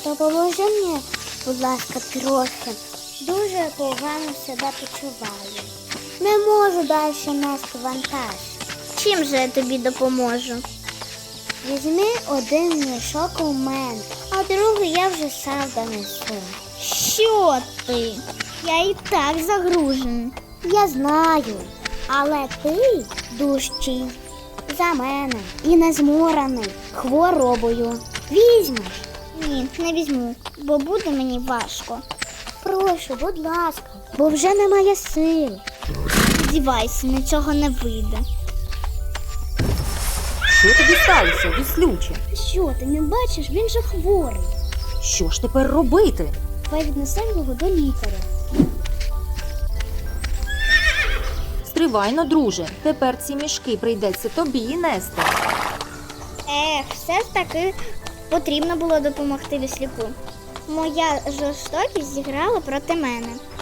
Допоможи мені, будь ласка, трохи. Дуже погано себе почуваю. Не можу далі нести вантаж. Чим же я тобі допоможу? Візьми один мішок у мене, а другий я вже сам донесу. Що ти? Я і так загружений. Я знаю, але ти дужчий за мене і не зморений хворобою. Візьмеш? Ні, не візьму, бо буде мені важко. Прошу, будь ласка, бо вже немає сил. Сподівайся, нічого не вийде. Що тобі сталося, віслюче? Що, ти не бачиш? Він же хворий. Що ж тепер робити? Давай віднесемо його до лікаря. Стривайно, друже, тепер ці мішки прийдеться тобі нести. Все ж таки потрібно було допомогти віслюку. Моя жорстокість зіграла проти мене.